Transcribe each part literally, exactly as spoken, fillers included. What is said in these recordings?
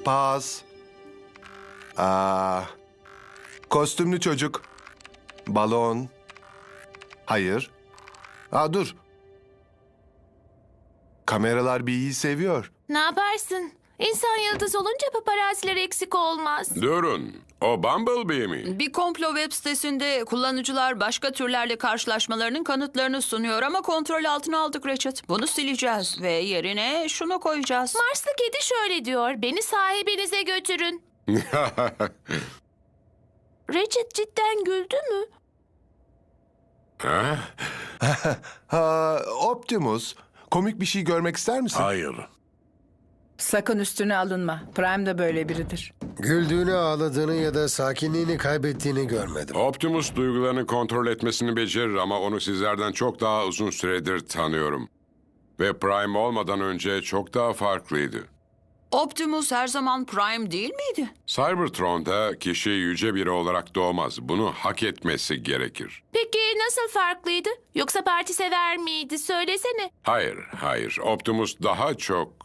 Pas. Aa, kostümlü çocuk. Balon. Hayır. Aa, dur. Kameralar bir iyi seviyor. Ne yaparsın? İnsan yıldız olunca paparaziler eksik olmaz. Durun. O Bumblebee mi? Bir komplo web sitesinde kullanıcılar başka türlerle karşılaşmalarının kanıtlarını sunuyor ama kontrol altına aldık Ratchet. Bunu sileceğiz ve yerine şunu koyacağız. Marslı kedi şöyle diyor. Beni sahibinize götürün. Ratchet cidden güldü mü? Ha? Ha, Optimus, komik bir şey görmek ister misin? Hayır. Sakın üstüne alınma. Prime de böyle biridir. Güldüğünü, ağladığını ya da sakinliğini kaybettiğini görmedim. Optimus duygularını kontrol etmesini becerir ama onu sizlerden çok daha uzun süredir tanıyorum. Ve Prime olmadan önce çok daha farklıydı. Optimus her zaman Prime değil miydi? Cybertron'da kişi yüce biri olarak doğmaz. Bunu hak etmesi gerekir. Peki nasıl farklıydı? Yoksa parti sever miydi? Söylesene. Hayır, hayır. Optimus daha çok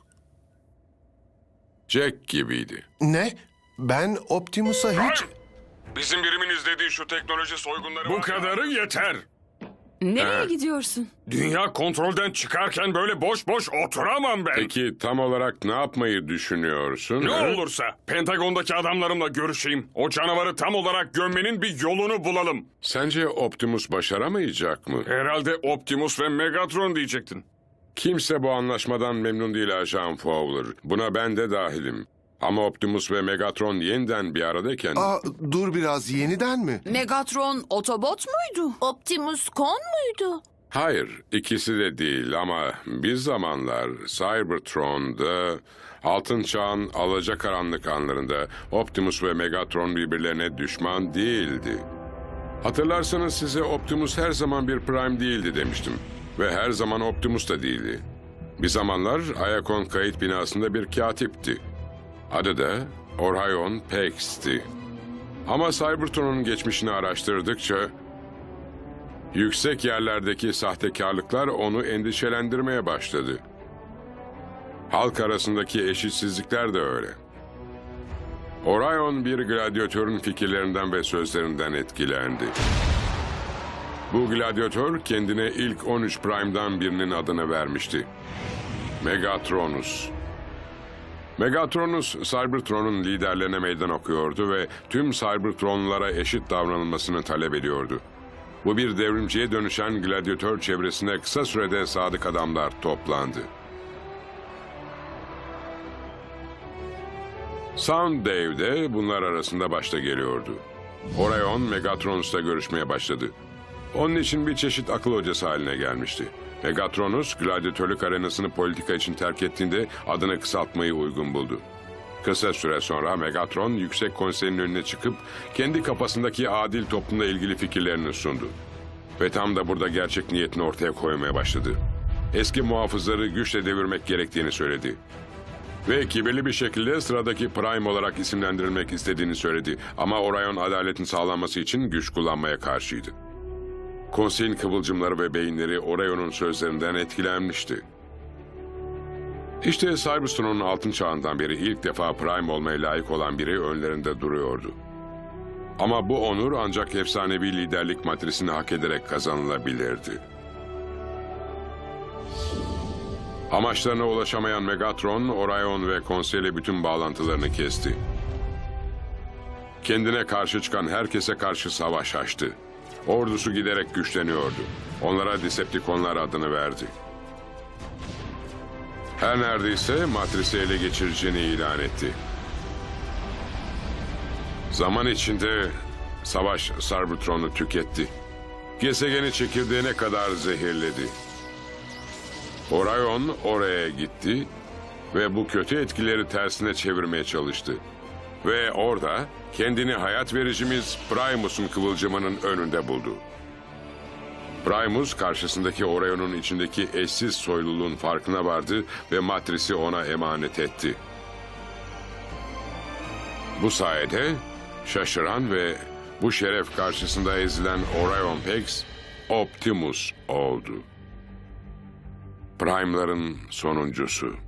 Jack gibiydi. Ne? Ben Optimus'a hiç... Bizim birimin izlediği şu teknoloji soygunları... Bu kadarı yeter. Nereye Ee? gidiyorsun? Dünya kontrolden çıkarken böyle boş boş oturamam ben. Peki tam olarak ne yapmayı düşünüyorsun? Ne ha? olursa Pentagon'daki adamlarımla görüşeyim. O canavarı tam olarak gömmenin bir yolunu bulalım. Sence Optimus başaramayacak mı? Herhalde Optimus ve Megatron diyecektin. Kimse bu anlaşmadan memnun değil Ajan Fowler. Buna ben de dahilim. Ama Optimus ve Megatron yeniden bir aradayken... Aa, dur biraz, yeniden mi? Megatron Autobot muydu? Optimus Kon muydu? Hayır, ikisi de değil ama bir zamanlar Cybertron'da Altın Çağ'ın alacakaranlık anlarında Optimus ve Megatron birbirlerine düşman değildi. Hatırlarsanız size Optimus her zaman bir Prime değildi demiştim. Ve her zaman Optimus da değildi. Bir zamanlar Iacon kayıt binasında bir katipti. Adı da Orion Pax'ti. Ama Cybertron'un geçmişini araştırdıkça yüksek yerlerdeki sahtekarlıklar onu endişelendirmeye başladı. Halk arasındaki eşitsizlikler de öyle. Orion bir gladyatörün fikirlerinden ve sözlerinden etkilendi. Bu gladyatör kendine ilk on üç Prime'dan birinin adını vermişti. Megatronus. Megatronus, Cybertron'un liderlerine meydan okuyordu ve tüm Cybertronlara eşit davranılmasını talep ediyordu. Bu bir devrimciye dönüşen gladyatör çevresine kısa sürede sadık adamlar toplandı. Sounddave de bunlar arasında başta geliyordu. Orion, Megatronus'la görüşmeye başladı. Onun için bir çeşit akıl hocası haline gelmişti. Megatronus, gladyatörlük arenasını politika için terk ettiğinde adını kısaltmayı uygun buldu. Kısa süre sonra Megatron, Yüksek Konsey'in önüne çıkıp kendi kafasındaki adil toplumla ilgili fikirlerini sundu. Ve tam da burada gerçek niyetini ortaya koymaya başladı. Eski muhafızları güçle devirmek gerektiğini söyledi. Ve kibirli bir şekilde sıradaki Prime olarak isimlendirilmek istediğini söyledi. Ama Orion adaletin sağlanması için güç kullanmaya karşıydı. Konseyin kıvılcımları ve beyinleri Orion'un sözlerinden etkilenmişti. İşte Cybertron'un altın çağından beri ilk defa Prime olmaya layık olan biri önlerinde duruyordu. Ama bu onur ancak efsanevi liderlik matrisini hak ederek kazanılabilirdi. Amaçlarına ulaşamayan Megatron, Orion ve konseyle bütün bağlantılarını kesti. Kendine karşı çıkan herkese karşı savaş açtı. Ordusu giderek güçleniyordu. Onlara Decepticonlar adını verdi. Her neredeyse matrisi ele geçireceğini ilan etti. Zaman içinde savaş Cybertron'u tüketti. Gezegeni çekirdeğine kadar zehirledi. Orion oraya gitti ve bu kötü etkileri tersine çevirmeye çalıştı. Ve orada kendini hayat vericimiz Primus'un kıvılcımının önünde buldu. Primus karşısındaki Orion'un içindeki eşsiz soyluluğun farkına vardı ve matrisi ona emanet etti. Bu sayede şaşıran ve bu şeref karşısında ezilen Orion Pax, Optimus oldu. Prime'ların sonuncusu.